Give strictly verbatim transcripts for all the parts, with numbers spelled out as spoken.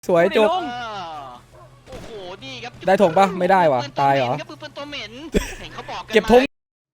สวยจบโอ้โหนี่ครับได้ธงปะไม่ได้วะตายเหรอปืนตัวเหม็นเห็นเขาบอกกันเก็บธง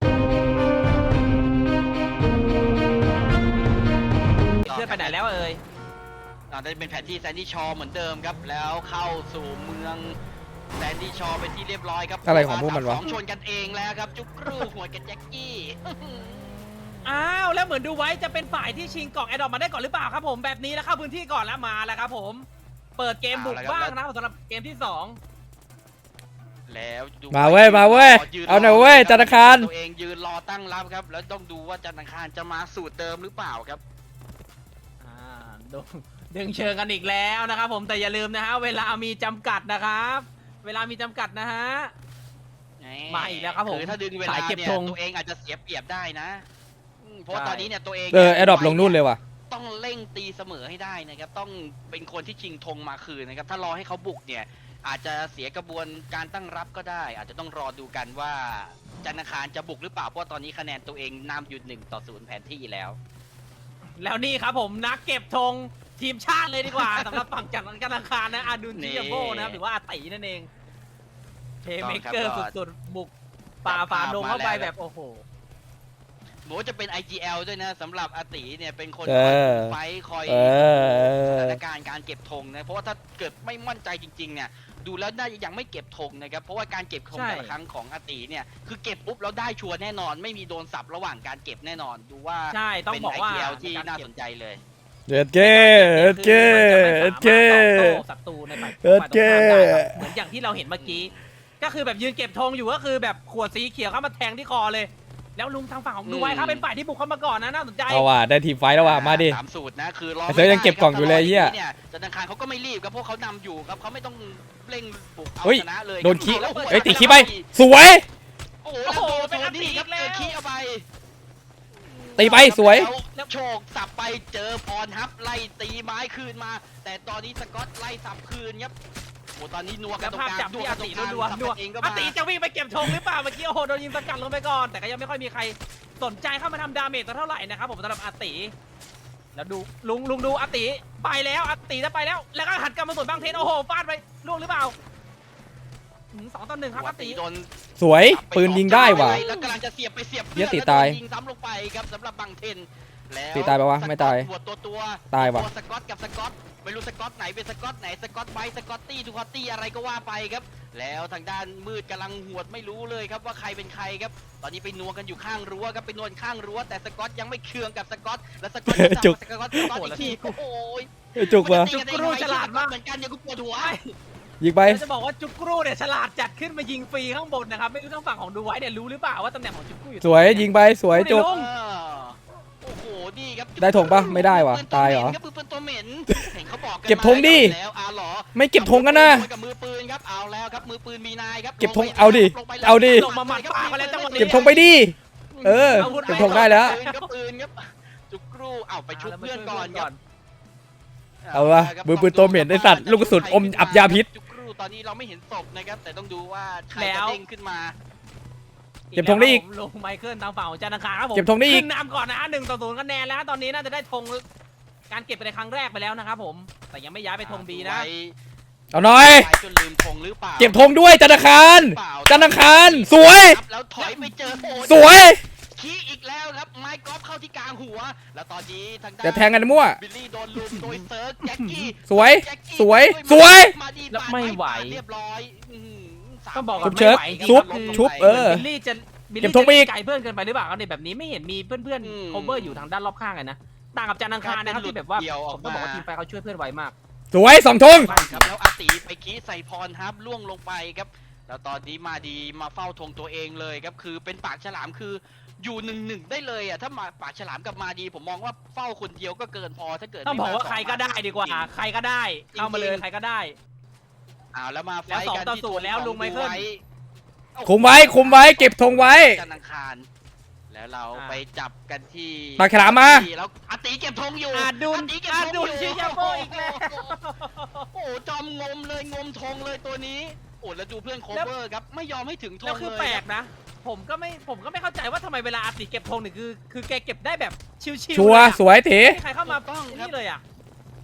เพื่อนไปไหนแล้วเอ่ยอาจจะเป็นแผนที่แซนดี้ชอเหมือนเดิมครับแล้วเข้าสู่เมืองแซนดี้ชอเป็นที่เรียบร้อยครับอะไรของพวกมันวะสองชนกันเองแล้วครับจุกรูหัวกับแจ็คกี้อ้าวแล้วเหมือนดูไว้จะเป็นฝ่ายที่ชิงกล่องแอดดอปมาได้ก่อนหรือเปล่าครับผมแบบนี้แล้วเข้าพื้นที่ก่อนแล้วมาแล้วครับผมเปิดเกมบุกบ้างนะสำหรับเกมที่สองแล้วมาเว้ยมาเว้ยเอาหน่อยเว้ยธนาคารตัวเองยืนรอตั้งรับครับแล้วต้องดูว่าธนาคารจะมาสูตรเดิมหรือเปล่าครับอ่าดึงดึงเชิงกันอีกแล้วนะครับผมแต่อย่าลืมนะฮะเวลามีจำกัดนะครับเวลามีจำกัดนะฮะมาอีกแล้วครับผมคือถ้าดึงเวลาเนี่ยตัวเองอาจจะเสียเปรียบได้นะเพราะตอนนี้เนี่ยตัวเองเออแอดดอปลงนู่นเลยว่ะต้องเร่งตีเสมอให้ได้นะครับต้องเป็นคนที่ชิงธงมาคืนนะครับถ้ารอให้เขาบุกเนี่ยอาจจะเสียกระบวนการตั้งรับก็ได้อาจจะต้องรอดูกันว่าจันทคารจะบุกหรือเปล่าเพราะตอนนี้คะแนนตัวเองนำอยู่หนึ่งต่อศูนย์แผนที่แล้วแล้วนี่ครับผมนักเก็บธงทีมชาติเลยดีกว่า สำหรับฝั่งจันทคารนะอาดุลจิยโบนะครับหรือว่าอาตินั่นเองเทเมเกอร์สุดๆบุกป่าฝ่าดงเข้าไปแบบโอ้โหโหจะเป็น ไอ จี แอล ด้วยนะสำหรับอาติเนี่ยเป็นคนคอยไฟคอยสถานการณ์การเก็บธงนะเพราะว่าถ้าเกิดไม่มั่นใจจริงๆเนี่ยดูแล้วน่าจะยังไม่เก็บธงนะครับเพราะว่าการเก็บธงแต่ละครั้งของอาติเนี่ยคือเก็บปุ๊บแล้วได้ชัวร์แน่นอนไม่มีโดนสับระหว่างการเก็บแน่นอนดูว่าใช่ต้องบอกว่าไอ จี แอล ที่น่าสนใจเลยเด็ดเก้เด็ดเก้เด็ดเก้ศัตรูในฝ่ายตรงข้ามได้เหมือนอย่างที่เราเห็นเมื่อกี้ก็คือแบบยืนเก็บธงอยู่ก็คือแบบขวดสีเขียวเข้ามาแทงที่คอเลยแล้วลุงทางฝั่งของดูไว้ครับเป็นฝ่ายที่บุกเข้ามาก่อนนะน่าสนใจเอาว่ะได้ทีมไฟแล้วว่ะมาดิตามสูตรนะคือรอเธอยังเก็บกล่องอยู่เลยเฮียธนาคารเขาก็ไม่รีบครับพวกเขานำอยู่ครับเขาไม่ต้องเร่งบุกเอาชนะเลยโดนขี้เฮ้ยตีขี้ไปสวยโอ้โหเป็นอันตีครับเจอขี้เอาไปตีไปสวยโชคสับไปเจอพรฮับไล่ตีไม้คืนมาแต่ตอนนี้สกอตไล่สับคืนครับโอ้ตอนนี้นัวกันตรงกลางนัวกันตรงกลางนัวนัวอาติจะวิ่งไปเก็บธงหรือเปล่าเมื่อกี้โอ้โหโดนยิงสกัดลงไปก่อนแต่ก็ยังไม่ค่อยมีใครสนใจเข้ามาทำดาเมจเท่าไหร่นะครับผมสำหรับอาติแล้วดูลุงลุงดูอาติไปแล้วอาติจะไปแล้วแล้วก็หันกลับมาสวนบางเทนโอ้โหฟาดไปล่วงหรือเปล่าสองต่อหนึ่งครับอาติโดนสวยปืนยิงได้ว่ะแล้วกำลังจะเสียบไปเสียบเยอะตีตายยิงซ้ำลงไปครับสำหรับบางเทนแล้วตีตายไปวะไม่ตายตัวตัวตายว่ะสกอตกับสกอตไม่รู้สกอตไหนเป็นสกอตไหนสกอตไบสกอตตี้ทูคอตตี้อะไรก็ว่าไปครับแล้วทางด้านมืดกำลังหวดไม่รู้เลยครับว่าใครเป็นใครครับตอนนี้ไปนัวกันอยู่ข้างรั้วครับไปนวลข้างรั้วแต่สกอตยังไม่เคืองกับสกอตและสกอตจุกสกอตสกอตอีกทีโอ้ยจุกว่ะจุกรูฉลาดมากเหมือนกันยังกูปวดหัวยิงไปจะบอกว่าจุกรูเนี่ยฉลาดจัดขึ้นมายิงฟรีข้างบนนะครับไม่รู้ทางฝั่งของดูไว้เนี่ยรู้หรือเปล่าว่าตำแหน่งของจุกรูอยู่สวยยิงไปสวยจุกโอ้โหนี่ครับได้ธงปะไม่ได้วะตายเหรอปืนตัวเหม็นเห็นเขาบอกเก็บธงดิไม่เก็บธงกันนะกับมือปืนครับเอาแล้วครับมือปืนมีนายครับเก็บธงเอาดิเอาดิเก็บธงไปดิเออเก็บธงได้แล้วปืนครับจุกรูเอาไปชุบเพื่อนก่อนครับเอาวะมือปืนตัวเหม็นไอสัตว์ลูกกระสุนอมอับยาพิษจุกรูตอนนี้เราไม่เห็นศพนะครับแต่ต้องดูว่าใครจะเด้งขึ้นมาเก็บธงได้อีกลงไมเคิลทางฝั่งของจันทคารครับผมเก็บธงได้อีกขึ้นนำก่อนนะหนึ่งต่อศูนย์คะแนนแล้วตอนนี้น่าจะได้ธงการเก็บไปในครั้งแรกไปแล้วนะครับผมแต่ยังไม่ย้ายไปธงบีนะเอาหน่อยจนลืมธงหรือเปล่าเก็บธงด้วยจันทคารจันทคารสวยแล้วถอยไปเจอสวยขี้อีกแล้วครับไม้กอล์ฟเข้าที่กลางหัวแล้วตอนนี้ทางด้านจะแทงกันมั่วบิลลี่โดนลุมโดยเซิร์ฟแจ็คกี้สวยสวยสวยแล้วไม่ไหวเรียบร้อยต้องบอกชุบเชิดชุบชุบเออบิลลี่จะบิลลี่จะไกลเพื่อนเกินไปหรือเปล่าเนี่ยแบบนี้ไม่เห็นมีเพื่อนๆ cover อยู่ทางด้านรอบข้างเลยนะต่างกับจันทคารนะครับที่แบบว่าผมต้องบอกว่าทีมไฟเขาช่วยเพื่อนไวมากสวยสองธงครับแล้วอาติไปคีใส่พรฮับล่วงลงไปครับแล้วตอนนี้มาดีมาเฝ้าธงตัวเองเลยครับคือเป็นปากฉลามคืออยู่หนึ่งหนึ่งได้เลยอ่ะถ้ามาปากฉลามกับมาดีผมมองว่าเฝ้าคนเดียวก็เกินพอถ้าเกิดต้องบอกว่าใครก็ได้ดีกว่าใครก็ได้เข้ามาเลยใครก็ได้อ้าวแล้วมาไฟกันที่ตัวแล้วลุงไมเคิลคุมไว้คุมไว้เก็บธงไว้จันทคารแล้วเราไปจับกันที่ปากฉลามมาแล้วอาติเก็บธงอยู่อาดุลอาดุลชิยาโบอีกแล้วโอ้จอมงมเลยงมธงเลยตัวนี้โอ้แล้วดูเพื่อนโคเวอร์ครับไม่ยอมให้ถึงธงเลยแล้วคือแปลกนะผมก็ไม่ผมก็ไม่เข้าใจว่าทำไมเวลาอาติเก็บธงเนี่ยคือคือแกเก็บได้แบบชิวๆชัวสวยเถ๋ใครเข้ามาต้องนี่เลยอ่ะ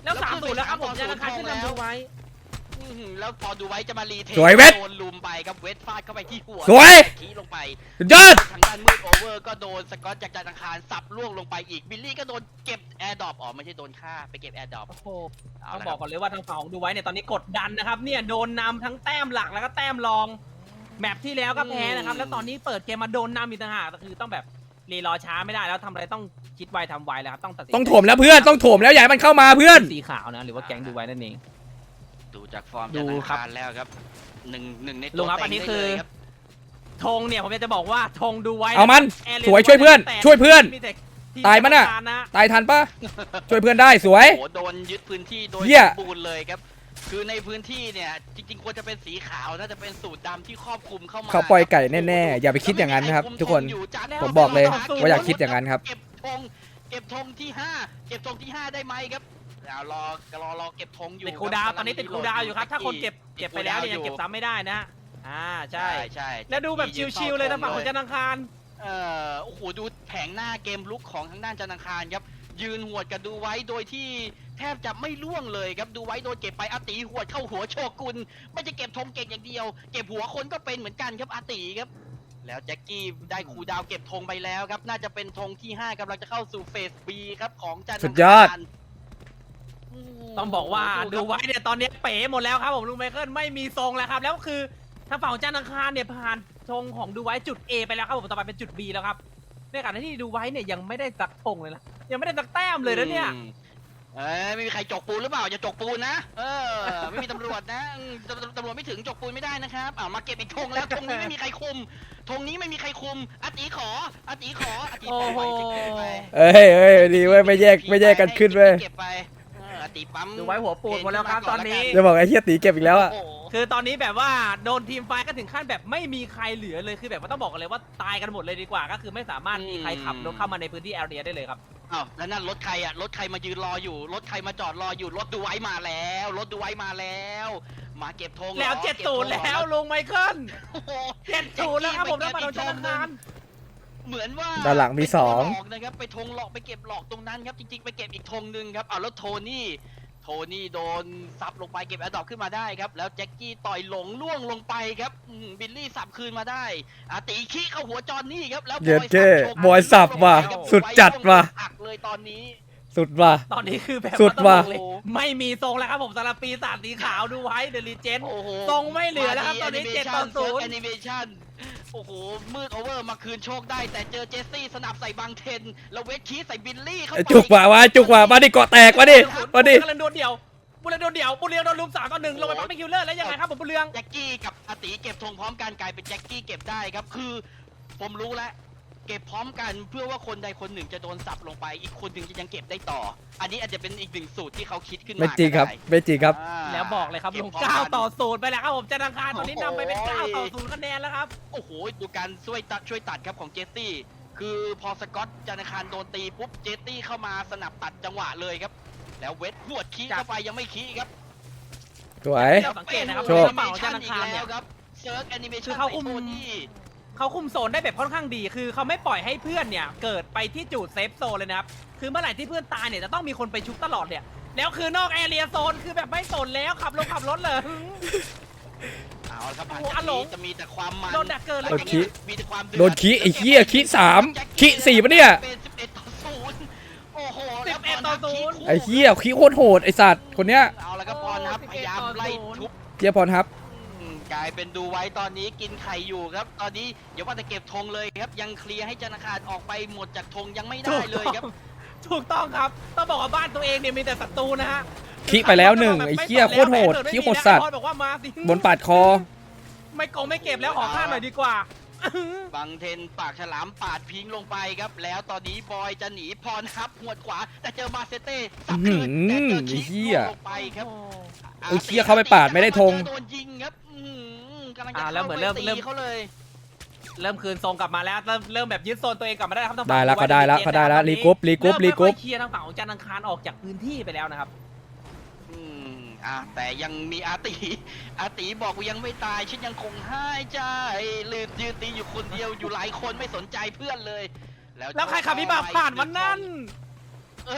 แล้วสามศูนย์แล้วครับผมธนาคารขึ้นนำดูไว้อื้อหือแล้วพอดูไว้จะมารีเทคสวยเวทโดนลุมไปครับเวทฟาดเข้าไปที่หัวสวยขี้ลงไปสุดยอดทางด้านมืดโอเวอร์ก็โดนสกอตจากจานอังคารสับล่วงลงไปอีกบิลลี่ก็โดนเก็บแอร์ดรอปอ๋อไม่ใช่โดนฆ่าไปเก็บแอร์ดรอปโอ้โหเอาต้องละบคอรักก่อนเลยว่าทางฝั่งของดูไว้เนี่ยตอนนี้กดดันนะครับเนี่ยโดนนำทั้งแต้มหลักแล้วก็แต้มรองแมปที่แล้วก็แพ้นะครับแล้วตอนนี้เปิดเกมมาโดนนำอีกต่างหากคือต้องแบบรีรอช้าไม่ได้แล้วทำอะไรต้องคิดไวทำไวแล้วครับต้องตัดสินต้องโถมแล้วเพื่อนต้องโถมแล้วอย่าให้มันเข้ามาเพื่อนสีขาวนะหรือว่าแก๊งดูไว้นั่นเองดูจากฟอร์มดูจานอังครับคารแล้วครับหนึ่งหนึ่งในลุตัวงครับเต็อังนนี้ได้คือเลยครับธงเนี่ยผมอยากจะบอกว่าธงดูไว้เอามันแอร์เรีสวยช่วยเพื่อนแต่ช่วยเพื่อนมีแต่ที่ตายมั้ยน่ะธนาคารตายทันปะช่วยเพื่อนได้สวยโอ้โหโดนยึดพื้นที่โดยเหี้ยสมบูรณ์เลยครับคือในพื้นที่เนี่ยจริงๆควรจะเป็นสีขาวน่าจะเป็นสูตรดำที่ครอบคลุมเข้ามาเขาปล่อยไก่แน่ๆอย่าไปคิดอย่างนั้นนะครับทุกคน ผมบอกเลยว่าอย่าคิดอย่างนั้นครับเก็บธงเก็บธงที่ห้าเก็บธงที่ห้าได้ไหมครับเอารอรอรอเก็บธงอยู่ติดคูลดาวน์ตอนนี้ติดคูลดาวน์อยู่ครับถ้าคนเก็บเก็บไปแล้วเนี่ยยังเก็บซ้ำไม่ได้นะอ่าใช่ใช่ใช่แล้วดูแบบชิวๆเลยทางฝั่งของจันทร์อังคารเอ่อโอ้โหดูแผงหน้าเกมลุกของทางด้านจันทร์อังคารครับยืนหวดกันดูไว้โดยที่แทบจะไม่ล่วงเลยครับดูไว้โดนเก็บไปอาติหวดเข้าหัวโชกุนไม่จะเก็บธงเก่งอย่างเดียว เก็บหัวคนก็เป็นเหมือนกันครับอาติครับแล้วแจ็คกี้ได้คูลดาวน์เก็บธงไปแล้วครับน่าจะเป็นธงที่ห้ากำลังจะเข้าสู่เฟส B ครับของจันทร์สุอัดงยอดคารต้องบอกว่าครับดูไว้เนี่ยตอนนี้เป๋หมดแล้วครับผมลุงไมเคิลไม่มีทรงแล้วครับแล้วคือทางฝั่งของจันทร์อังคารเนี่ยผ่านธงของดูไว้จุด A ไปแล้วครับผมต่อไปเป็นจุด B แล้วครับในขณะที่ดูไว้เนี่ยยังไม่ได้สักธงเลยนะยังไม่ได้สักแต้มเลยนะเนี่ยอืมเอ้ยไม่มีใครจกปูนหรือเปล่าอย่าจกปูนนะเออไม่มีตำรวจนะอืมตำตำรวจไม่ถึงจกปูนไม่ได้นะครับอ่ามาเก็บอีกธงแล้วธงนี้ไม่มีใครคุมธงนี้ไม่มีใครคุมอาติขออาติขออาติโอ้ปล่อยโหจะเก็บไปเอ้ยเอ้ยดีเว้ยไม่แยกไม่แยกกันขึ้นเว้ยเก็บไปเอออาติปั๊มดูไว้หัวปูดหมดแล้วครับตอนนี้จะบอกไอ้เฮียตีเก็บอีกแล้วอะโอ้โหคือตอนนี้แบบว่าโดนทีมไฟท์ก็ถึงขั้นแบบไม่มีใครเหลือเลยคือแบบว่าต้องบอกกันเลยว่าตายกันหมดเลยดีกว่า ก็คือไม่สามารถมีใครขับรถเข้ามาในพื้นที่แอเรียได้เลยครับอ้าวแล้วนั่นรถใครอ่ะรถใครมายืนรออยู่รถใครมาจอดรออยู่รถดูไว้มาแล้วรถดูไว้มาแล้ว มาเก็บธงหรอแล้วเจ็ดก็บศูธนงย์หรอแล้วลุงไมเคิลโอ้โหเจ็ดศูนย์แล้วครับผมแล้วมาโดนจันทร์อังคารเหมือนว่าด้านหลังมีสองไปหลอกนะครับไปธงหลอกไปเก็บหลอกตรงนั้นครับจริงๆไปเก็บอีกธงหนึ่งครับเอาแล้วโทนี่โทนี่โดนซับลงไปเก็บแอร์ดรอปขึ้นมาได้ครับแล้วแจ็คกี้ต่อยหลงล่วงลงไปครับอืมบิลลี่สับคืนมาได้อาตีขี้เข้าหัวจอนนี่ครับแล้วเย็ดบอยเจ้สับโชว์บอยสับว่ะครับสุดจัดว่ะไล่วงหักเลยตอนนี้สุดว่ะตอนนี้คือแบบสุดว่ะต้องบอกเลยไม่มีทรงแล้วครับผมสำหรับปีศาจสีขาวดูไว้เดลิเจนโอ้โหทรงไม่เหลือแล้วครับตอนนี้เจ็ดต่อศูนย์แอนิเมชันโอ้โหมืดโอเวอร์มาคืนโชคได้แต่เจอเจสซี่สนับใส่บังเทนแล้วเวทคีใส่บิลลี่เข้าไปจุกว่ะวะจุกว่ะมาดิเกาะแตกมาดิมาดิบุญเรืองโดนเดี่ยวบุญเรืองโดนเดี่ยวบุญเรืองโดนลุมสามต่อหนึ่งลงไปปั๊บเป็นคิวเลอร์แล้วยังไงครับผมบุญเรืองแจ็คกี้กับอาติเก็บธงพร้อมกันกลายเป็นแจ็คกี้เก็บได้ครับคือผมรู้แล้วเก็บพร้อมกันเพื่อว่าคนใดคนหนึ่งจะโดนสับลงไปอีกคนหนึ่งจะยังเก็บได้ต่อ อันนี้อาจจะเป็นอีกหนึ่งสูตรที่เขาคิดขึ้นมาไม่จริงครับก็ได้ไม่จริงครับอ่าแล้วบอกเลยครับก็ลงพร้มเก้ากันต่อศูนย์ไปแล้วครับผมจันทร์อังคารตอนนี้นำไปเป็นโอ้โหเก้าต่อศูนย์คะแนนแล้วครับโอ้โหดูการช่วยตัดช่วยตัดครับของเจสซี่คือพอสกอตจันทคารโดนตีปุ๊บเจสซี่เข้ามาสนับตัดจังหวะเลยครับแล้วเวทหวดขี้เข้าไปยังไม่ขี้ครับสวยเราสังเกตนะครับโชคกระเป๋าจันทร์อังคารเนี่ยแล้วครับเซิร์ฟแอนิเมคืชั่นอเขาอุ้มโทนี่เขาคุมโซนได้แบบค่อนข้างดี คือเขาไม่ปล่อยให้เพื่อนเนี่ยเกิดไปที่จุดเซฟโซนเลยนะครับ คือเมื่อไหร่ที่เพื่อนตายเนี่ยจะต้องมีคนไปชุบตลอดเนี่ย แล้วคือนอกแอเรียโซนคือแบบไม่สนแล้วขับรถขับรถเลยเอาละครับหลังโอ้โหจากอ่ะหลนี้งจะมีแต่ความมันโดนดักเกินเลยหลังจากนี้มีแต่ความเดือโดนขี้ไอ้เหี้ยขี้สามขี้สี่ปะเนี่ยเป็นสิบเอ็ดต่อศูนย์โอ้โหสิบเอ็ดต่อศูนย์ไอ้เหี้ยขี้โคตรโหดไอ้สัตว์คนเนี้ยเอาละครับพรครับพยายามไล่ทุบเจี๊ยบพรครับอืมกลายเป็นดูไว้ตอนนี้กินไข่อยู่ครับ ตอนนี้อย่าว่าแต่เก็บธงเลยครับ ยังเคลียร์ให้จันทคารออกไปหมดจากธงยังไม่ได้เลยครับถูกต้องครับ ต้องบอกว่าบ้านตัวเองเนี่ยมีแต่ศัตรูนะฮะขี้ไปแล้วหนึ่งไอ้เหี้ยโคตรโหดขี้โหดสัตว์บอกว่ามาสิบนปาดคอไม่โกงไม่เก็บแล้วขอข้ามหน่อยดีกว่าบังเทนปากฉลามปาดพิงลงไปครับ แล้วตอนนี้บอยจะหนีพรฮับหวดขวา แต่เจอมาเซเต้สับคืนแต่เจอไอ้คิเหี้ยลงไปครับไอ้เหี้ยเข้าไปปาดไม่ได้ธงโดนยิงครับอื้อหือกำลังจะอ่าแล้วเหมือนเริ่มข้าไปเริ่มตีเขาเลยเริ่มคืนทรงกลับมาแล้วเริ่มเริ่มแบบยึดโซนตัวเองกลับมาได้ครับทางฝั่งได้แล้วดูก็ว้ได้แล้วเจนก็ได้แล้วตอนรีนี้กรุ๊ปรีกรุ๊ปรีกรุ๊ปเมไม่ค่อยเคลียร์ทางฝั่งของจันทร์อังคารออกจากพื้นที่ไปแล้วนะครับอืมอ่ะแต่ยังมีอาตีอาตีบอกว่ายังไม่ตายฉันยังคงให้ใจลืมยืนตีอยู่คนเดียวอยู่หลายคนไม่สนใจเพื่อนเลย แล้วแล้วใครขับวิบากผ่านวันนั้นเอ้ย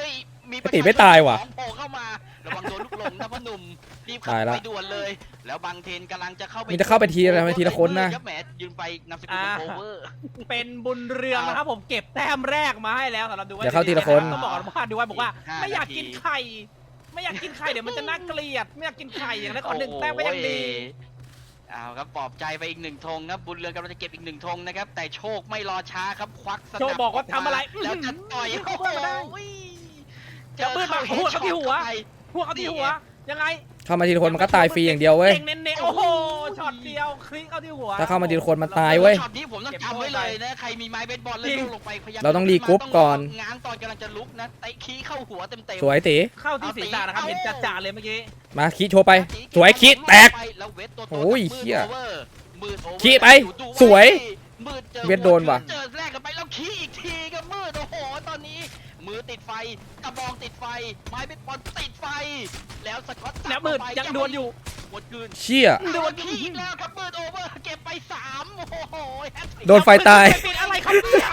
มีไอ้ตีไม่ตายว่ะสองโผล่เข้ามาระวังโดนลูกหลงนะพ่อหนุ่มรีบเข้าตายละไปด่วนเลย แล้วบางเทนกำลังจะเข้าไปมีจะเข้าไปทีละไปทีละคนนะรับแหมยืนไปนำสกุลเป็นโอเวอร์เป็นบุญเรืองนะครับผมเก็บแต้มแรกมาให้แล้วสำหรับดูไว้เดี๋ยวเข้าทีละคนต้องบอกว่าดูไว้บอกว่าอีกห้าไม่อยากนาทีกินไข่ไม่อยากกินไข่เดี๋ยวมันจะน่าเกลียดไม่อยากกินไข่อย่างนั้นขอหนึ่งแต้มก็ยังดีเอาครับปลอบใจไปอีกหนึ่งธงครับบุญเรืองกำลังจะเก็บอีกหนึ่งธงนะครับแต่โชคไม่รอช้าครับควักสนับโชคบอกว่าทำอะไรแล้วจะต่อยอื้อโอ้โหเข้ามาได้เจเดี๋ยวอปืนมาเข้าหัวเข้าที่หัวไปพวกเขาที่หัวยังไงเข้ามาทีละคนมันก็ตายฟรีอย่างเดียวเว้ยเน้นๆโอ้โหช็อตเดียวคลิกเข้าที่หัวถ้าเข้ามาทีละคนมันตายเว้ยช็อตนี้ผมต้องจำไว้เลยนะใครมีไม้เบสบอลแล้วลูกลงไปพยายามเราต้องรีกรุ๊ปก่อนง้างตอนกำลังจะลุกนะเตะขี้เข้าหัวเต็มๆสวยตีเข้าที่ศีรษะนะครับเห็นจ่าๆเลยเมื่อกี้มาคีโชว์ไป สวยคีแตกแล้วเวทตัวโตโอ้ยมืดเหี้ยโอเวอร์มืดโอเวอร์ขี้ไปอยู่ดูสวยมืดจอเวทโดนว่ะเจอแรกกันไปแล้วขี้อีกทีก็มืดโอ้โหตอนนี้ มือติดไฟกระบองติดไฟ ไม้เบสบอลติดไฟ แล้วสกอตตัดแล้วมืดลงไปยังดวลอยู่หมดคืนเชี่ยโดนขี้อีกแล้วครับมืดโอเวอร์เก็บไปสามโอ้โหแฮตทริกโดนไฟตายปิดอะไรครับเนี่ย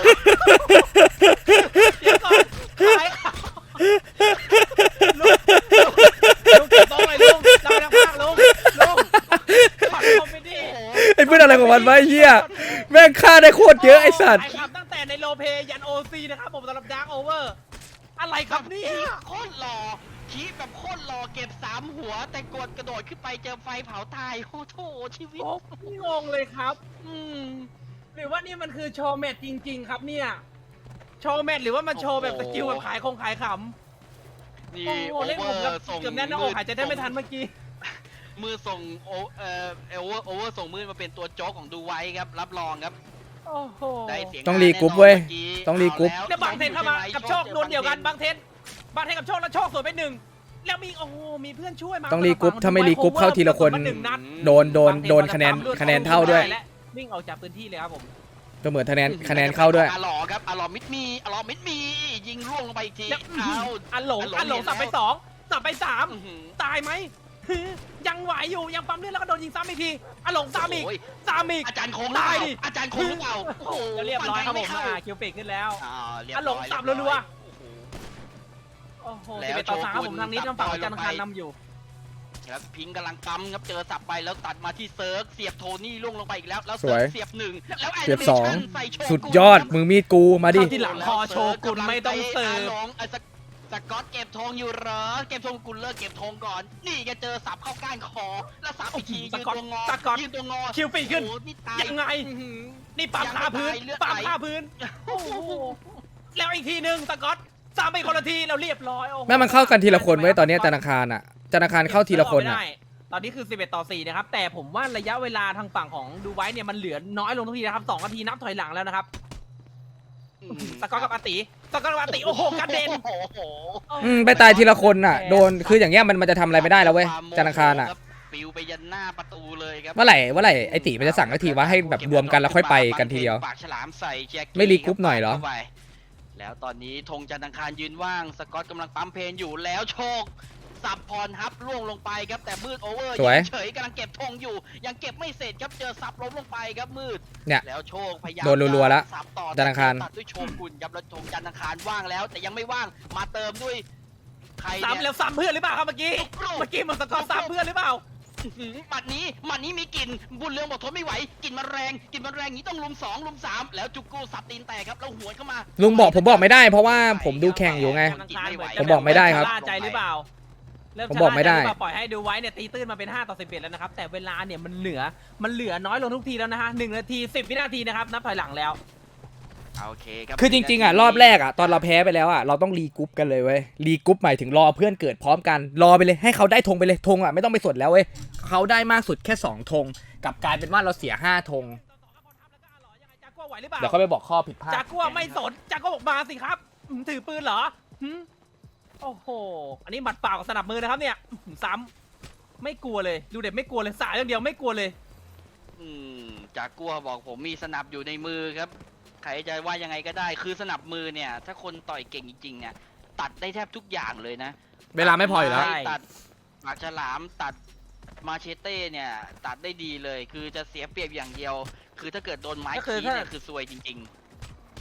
เดี๋ยวก่อนขายข่าวลุงลุงเก็บต้องเลยลุงเราไปทางภาคลุงลุงขอคอมเมดี้ไอ้เพื่อนอะไรของมันวะไอ้เหี้ยแม่งฆ่าได้โคตรเยอะไอ้สัตว์ขายครับตั้งแต่ในโลเปยันโอซีนะครับผมสำหรับดาร์กโอเวอร์อะไรครับนี่โคตรหล่อขี้แบบโคตรหล่อเก็บสามหัว แต่กดกระโดดขึ้นไปเจอไฟเผาตายโอ้โหชีวิตโอ้งงเลยครับ อืมหรือว่านี่มันคือโชว์แมทจริง ๆ ครับเนี่ย โชว์แมทหรือว่ามันโชว์แบบสกิลแบบขายคงขายขำนี่โอ้โหโอเล่นเวผอมกับร์ส่งเกือบแน่นหน้าอกหายใจได้ไม่ทันเมื่อกี้มือส่งโอเอ่อโอเวอร์โอเวอร์ส่งมือมาเป็นตัวโจ๊กของดูไว้ครับรับรองครับโอ้โหได้เสียงต้องรีกรุ๊ปเว้ยต้องรีกรุ๊ปแล้วบางเทนเข้ามากับโชคโดนเดียวกันบางเทนบางเทนกับโชคแล้วโชคสวนไปหนึ่งแล้วมีโอ้โหมีเพื่อนช่วยมาต้องรีกรุ๊ปถ้าไม่รีกรุ๊ปเข้าทีละคนหนึ่งนัดโดนโดนโดนคะแนนคะแนนเท่าด้วยและวิ่งออกจากพื้นที่เลยครับผมก็เหมือนคะแนนคะแนนเข้าด้วยอาหลอครับอาหลอมิดมีอาหลอมิดมียิงล่วงลงไปอีกทีแล้วเอาอันหลงอัอันนหหลลงงสับไปแล้วสองสับไปสามอื้อหือตายไหม ยังไหวอยู่ยังปั๊มเลือดแล้วก็โดนยิงซ้ำอีกทีอันหลงซ้ำอีกโอ้ยซ้ำอีกอาจารย์โค้งตายดิอาจารย์โค้งหรือเปล่าโอ้โหแล้วเรียบร้อยครับผมฟันแทงอ่าไเข้าคิวปิกขึ้นแล้วอ่าเรียบอ่ะหลงร้อยสับเรียบรัวร้อยโอ้โหแล้วสิบเอ็ดต่อสามโชกุนผมทางนี้สับทางฝั่งต่อยจันทร์ลงคารไปนำอยู่ครับพิงค์กำลังปั๊มครับเจอสับไปแล้วตัดมาที่เซิร์กเสียบโทนี่ล่วงลงไปอีกแล้วแล้วสวยเซิร์กเสียบหนึ่งแล้วเสียบสอง animation ใส่โชกุนสุดยอดมือมีดกูมาดิเข้าที่หลังคอโชกุนไม่ต้องเสิร์ฟาหลงไอ้สกสกอตเก็บธงอยู่เหรอเก็บธงกุลเลิกเก็บธงก่อน นี่แกเจอสับเข้าก้านคอ แล้วสับอีกทีสยืนกอตตัวงอสกอตยืนตัวงอคิวปิกขึ้นโอ้โหนี่ตายยังไงอื้อหือนี่ปั๊มคาพื้นยังไม่ตายเลือดปั๊มไหลคาพื้นโอ้โหแล้วอีกทีหนึ่งสกอตซ้ำไปคนละทีแล้วเรียบร้อยโอ้โหแม่มันเข้ากันทีละคนไว้ยตอนเนี้ยธนาคารอ่ะธนาคารเข้าทีละคนอ่ะไม่ได้ตอนนี้คือสิบเอ็ดต่อสี่นะครับแต่ผมว่าระยะเวลาทางฝั่งของดูไว้เนี่ยมันเหลือน้อยลงทุกทีนะครับสองนาทีนับถอยหลังแล้วนะครับอืมสกอตกับอาติสกอตกับอาติโอ้โหกระเด็นโอ้โหอืมไปตายทีละคนอ่ะโดนคืออย่างเงี้ยมันมันจะทำอะไรไม่ได้แล้วเว้ยธนาคารอ่ะปิวไปยันหน้าประตูเลยครับเมื่อไหร่เมื่อไหร่ไอติมันจะสั่งสักทีว่าให้แบบรวมกันแล้วค่อยไปกันทีเดียวปากฉลามใส่แจ็คไม่รีกรุ๊ปหน่อยเหรอข้าไปแล้วตอนนี้ธงจันทร์อังคารยืนว่างสกอตกำลังปั๊มเพลนอยู่แล้วโชคสับพรฮับล่วงลงไปครับแต่มืดโอเวอร์สวยงเฉยกำลังเก็บธงอยู่ ยังเก็บไม่เสร็จครับเจอสับล้มลงไปครับมืดเนี่ยแล้วโชคพยายามโดนรัวๆแล้วสับต่อจันทร์อังคารตัดด้วยโชกุนครับแล้วธงจันทร์อังคารว่างแล้ว แต่ยังไม่ว่างมาเติมด้วยใครซ้ำเนี่ยแล้วซ้ำเพื่อนหรือเปล่าครับเมื่อกี้ลูกเมื่อกี้มันสกอตซ้ำเพื่อนหรือเปล่าอื้อหือหมัดนี้หมัดนี้มีกลิ่นบุญเรืองบอกทนไม่ไหวกลิ่นมันแรงกลิ่นมันแรงอย่างนี้ต้องลุมสองลุมสามแล้วจุกกูสับตีนแตกครับแล้วหวนเข้ามาลุงบอกผมบอกไม่ได้เพราะว่าผมดูแข่งอยู่ไง ผมบอกไม่ได้ครับเมชะล่าใจหรือเปล่าเริ่ผมบอกไม่ได้ชะล่าใจหรือเปล่าปล่อยให้ดูไว้เนี่ยตีตื้นมาเป็นห้าต่อสิบเอ็ดแล้วนะครับแต่เวลาเนี่ยมันเหลือมันเหลือน้อยลงทุกทีแล้วนะฮะหนึ่งนาทีสิบวินาทีนะครับนับถอยหลังแล้วโอเคครับคือจริงๆอ่ะรอบแรกอ่ะตอนเราแพ้ไปแล้วอ่ะเราต้องรีกรุ๊ปกันเลยเว้ยรีกรุ๊ปหมายถึงรอเพื่อนเกิดพร้อมกันรอไปเลยให้เขาได้ธงไปเลยธงอ่ะไม่ต้องไปสดแล้วเว้ยเขาได้มากสุดแค่สองธงกลับกลายเป็นว่าเราเสียห้าธงจากัวไหวหรือเปล่าเดี๋ยวเขาไปบอกข้อผิดพลาดจากัวไม่สนจากัวบอกมาสิครับหืมถือปืนเหรอหืมโอ้โหอันนี้หมัดเปล่ากับสนับมือนะครับเนี่ยหืมซ้ำไม่กลัวเลยดูเด็ดไม่กลัวเลยสายอย่างเดียวไม่กลัวเลยอืมจากกัวบอกผมมีสนับอยู่ในมือครับใครจะว่ายังไงก็ได้คือสนับมือเนี่ยถ้าคนต่อยเก่งจริงๆเนี่ยตัดได้แทบทุกอย่างเลยนะเวลาไม่พออยู่แล้วใช่ตัดปากฉลามตัดมาเชเต้เนี่ยตัดได้ดีเลย คือจะเสียเปรียบอย่างเดียว คือถ้าเกิดโดนไม้ก็คือขีถ้าเนี่ยคือซวยจริง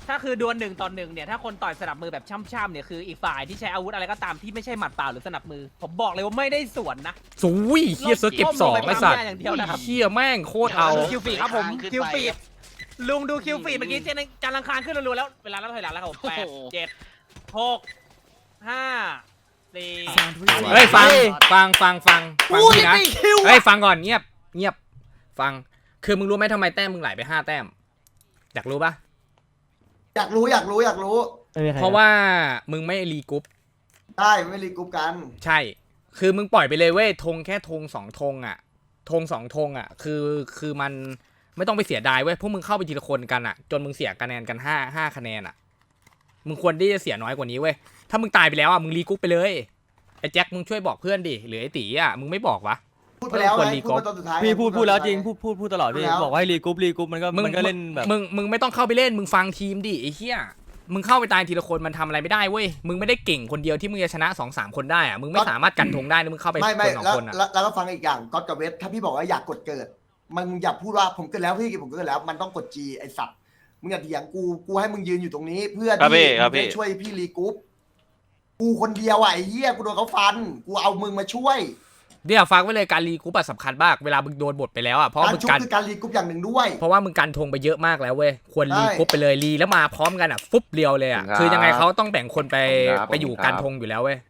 ถ้าคือดวลหนึ่งต่อหนึ่งเนี่ยถ้าคนต่อยสนับมือแบบช่ำๆเนี่ยคืออีกฝ่ายที่ใช้อาวุธอะไรก็ตามที่ไม่ใช่หมัดเปล่าหรือสนับมือผมบอกเลยว่าไม่ได้สวนนะสุยเฮียเสือเก็บสองไอ้สัตว์อย่างเดียวนะครับเฮียแม่งโคตรเอาคิวฟีดครับผมคิวฟีดลุงดูคิวฟีดเมื่อกี้เจนจานลังคารขึ้นรัวๆแล้วเวลาแล้วถอยหลังแล้วครับผมแปดเจ็ดหกห้าสี่เฮ้ยฟังฟังฟังฟังฟังพี่นะเฮ้ยฟังก่อนเงียบเงียบฟังคือมึงรู้ไหมทำไมแต้มมึงไหลไปห้าแต้มอยากรู้ปะอยากรู้อยากรู้อยากรู้เพราะว่ามึงไม่รีกรุ๊ปได้ไม่รีกรุ๊ปกันใช่ คือมึงปล่อยไปเลยเว้ยธงแค่ธงสองธงอ่ะธงสองธงอ่ะคือคือมันไม่ต้องไปเสียดายเว้ยพวกมึงเข้าไปทีละคนกันอ่ะจนมึงเสียคะแนนกันห้าห้าคะแนนอ่ะมึงควรที่จะเสียน้อยกว่านี้เว้ยถ้ามึงตายไปแล้วอ่ะมึงรีกรุ๊ปไปเลยไอ้แจ็คมึงช่วยบอกเพื่อนดิหรือไอ้ตีอ่ะมึงไม่บอกวะพูดไปแล้วคนไงรีกพูรุ๊ดปไปตอนสุดท้ายพี่พูดพูดแล้วจริงพูพูดพูดพูดตลอดพี่พูดแล้วบอกว่าให้รีกรุ๊ปรีกรุ๊ปมันก็มึงมันก็เล่นแบบมึงมึงไม่ต้องเข้าไปเล่นมึงฟังทีมดิไอ้เหี้ยมึงเข้าไปตายทีละคนมันทำอะไรไม่ได้เว้ยมึงไม่ได้เก่งคนเดียวที่มึงจะชนะสองสามคนได้อ่ะมึงไม่สามารถกันธงได้นะมึงเข้าไปไม่คไม่นสองแล้วคนอ่ะแล้วแล้วก็ฟังอีกอย่างก๊อตกับเวทถ้าพี่บอกว่าอยากกดเกิดมึงอย่าพูดว่าผมเกิดแล้วพี่ผมเกิดแล้วมันต้องกดจีไอสัตว์มึงอย่าเถียงกูกูให้มึงยืนอยู่ตรงนี้ เพื่อครับพี่ที่ครับมึงพี่จะช่วยพี่รีกรุ๊ปกูคนเดียวอ่ะไอ้เหี้ยกูโดนเขาฟันกูเอามึงมาช่วยเดี๋ยวฟังไว้เลยการรีกรุ๊ปอะสำคัญมากเวลามึงโดนบทไปแล้วอ่ะเพราะการมึงชุบกันคือการรีกรุ๊ปอย่างหนึ่งด้วยเพราะว่ามึงกันธงไปเยอะมากแล้วเว้ยควรรีใช่กรุ๊ปไปเลยรีแล้วมาพร้อมกันอ่ะฟุบเรียวเลยอ่ะครับคือยังไงเขาต้องแบ่งคนไปครับไปอยู่ผมครับกันธงอยู่แล้วเว้ย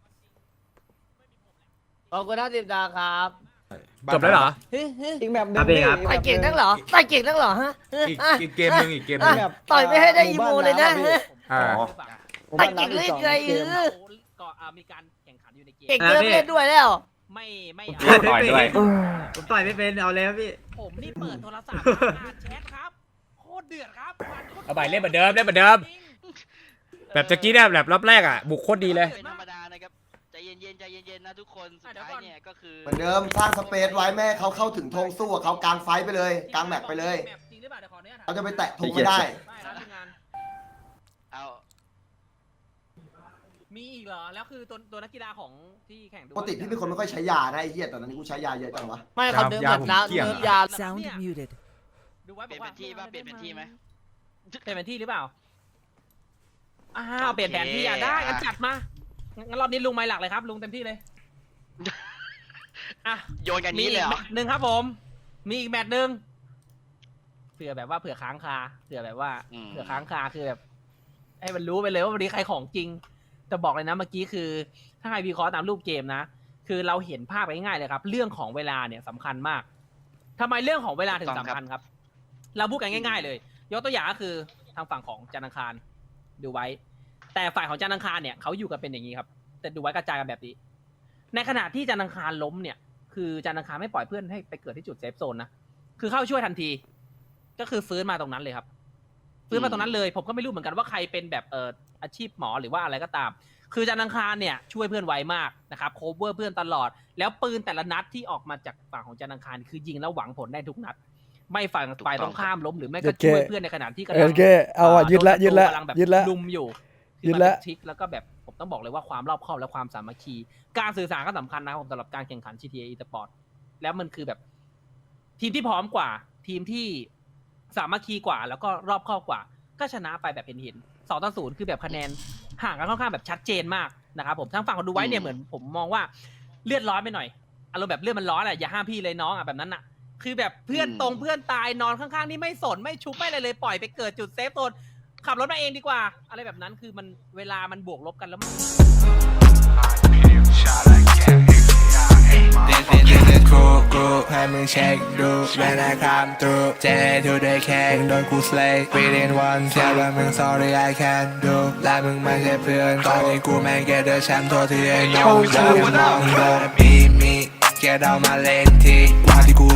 ขอบคุณท่านสิบดาวครับจบแล้วเหรออีกแบบนึงครับพี่ครับต่อยเก่งนักเหรอต่อยเก่งนักเหรอฮะอีกอ่ะอีกเกมหนึงอีกเกมหนึงอ่ะต่อยไม่ให้ได้อีโมเลยนะฮะอ่าต่อยเก่งเลยไงเออก็อ่ามีการแข่งขันอยู่ในเกมเก่งเกินเล่นด้วยแล้วไม่ไม่ต่อยด้วยผมต่อยไม่เป็นเอาแล้วพี่ผมนี่เปิดโทรศัพท์อ่านแชทครับโคตรเดือดครับเอาไปเล่นเหมือนเดิมเล่นเหมือนเดิม แบบตะกี้เนี่ยแบบรอบแรกอ่ะบุกโคตรดีเลยเป็นธรรมดานะครับใจเย็นๆใจเย็นๆนะทุกคนสุดท้ายเนี่ยก็คือเหมือนเดิมสร้างสเปซไว้แม่ให้เขาเข้าถึงธงสู้กับเขากลางไฟไปเลยกลางแมปไปเลยจริงหรือเปล่าเดี๋ยวขออนุญาตถามเขาจะไปแตะธงไม่ได้ไม่นะทีมงานเอามีอีกเหรอแล้วคือตัวตัวนักกีฬาของที่แข่งดูปกติพี่เป็นคนไม่ค่อยใช้ยานะไอ้เหี้ยแต่ตอนนี้กูใช้ยาเยอะจังวะไม่เขาเดิมแบบน้ำเกี่ยงเดิมยา Sound muted. ดูไว้เปบลี่อย กนว่าเป็นที่ป่ะเปลี่ยนเป็นที่ไหมเปลี่ยนเป็นที่หรือเปล่าอ้าวเปลี่ยนแผนที่อ่ะได้งั้นจัดมางั้นรอบนี้ลุงไม้หลักเลยครับลุงเต็มที่เลยอ่ะโยนกันมีนี้อีเลยกเหรแมอตช์หนึ่งครับผม มีอีกแมตช์หนึ่งเผื่อแบบว่าเผื่อค้างคาเผื่อแบบว่าอืมเผื่อค้างคาคือแบบให้มันรู้ไปเลยว่าวันนี้ใครของจริงแต่บอกเลยนะเมื่อกี้คือ ถ้าใครวิเคราะห์ตามรูปเกมนะ คือเราเห็นภาพไปง่ายๆเลยครับ เรื่องของเวลาเนี่ยสำคัญมากทำไมเรื่องของเวลาถึงสำคัญครับ เราพูดกันง่าย ๆ เลย ยกตัวอย่างก็คือทางฝั่งของจันทร์อังคารดูไว้ แต่ฝ่ายของจันทร์อังคารเนี่ยเขาอยู่กันเป็นอย่างนี้ครับแต่ดูไว้กระจายกันแบบนี้ ในขณะที่จันทร์อังคารล้มเนี่ย คือจันทร์อังคารไม่ปล่อยเพื่อนให้ไปเกิดที่จุดเซฟโซนนะ คือเข้าช่วยทันที ก็คือฟื้นมาตรงนั้นเลยครับ ฟื้นมาตรงนั้นเลย ผมก็ไม่รู้เหมือนกันว่าใครเป็นแบบเอ่ออาชีพหมอหรือว่าอะไรก็ตาม คือจันทร์อังคารเนี่ยช่วยเพื่อนไวมากนะครับโคเวอร์เพื่อนตลอด แล้วปืนแต่ละนัดที่ออกมาจากฝั่งของจันทร์อังคารคือยิงแล้วหวังผลได้ทุกนัด ไม่ฝั่งฝ่ายตรงข้ามล้มหรือไม่ก็ช่วยเพื่อนในขณะที่กำลัโอเคเอาอ่ะยึดละยึดละกำลังแบบยึดละลุมอยู่ยึดละที่มันเป็นทริคแล้วก็แบบผมต้องบอกเลยว่าความรอบคอบและความสามัคคี การสื่อสารก็สำคัญนะครับผมสำหรับการแข่งขัน จี ที เอ eSport แล้วมันคือแบบทีมที่พร้อมกว่า ทีมที่สามัคคีกว่า แล้วก็รอบคอบกว่า ก็ชนะไปแบบเห็นเห็นสองต่อศูนย์คือแบบคะแนนห่างกันค่อนข้างแบบชัดเจนมากนะครับผมทั้งฝั่งคนดูไว้เนี่ยเหมือนผมมองว่าเลือดร้อนไปหน่อยอารมณ์แบบเลือดมันร้อนอ่ะอย่าห้ามพี่เลยน้องอ่ะแบบนั้นอ่ะ คือแบบเพื่อนตรงเพื่อนตายนอนข้างๆนี่ไม่สนไม่ชุบไม่อะไรเลยปล่อยไปเกิดจุดเซฟโซนขับรถมาเองดีกว่า อะไรแบบนั้นคือมันเวลามันบวกลบกันแล้วมัน This is this is cool cool ให้มึงเช็คดูเวลาคำตู J to the K โดนกู slay within one เชื่อว่ามึง sorry I can't do และมึงไม่ใช่เพื่อนตอนนี้กูแม่ง get the champ โทษที่ไอ้น้องเดินมองโดนมีมีแกเดามาเล่นทีว่าที่กู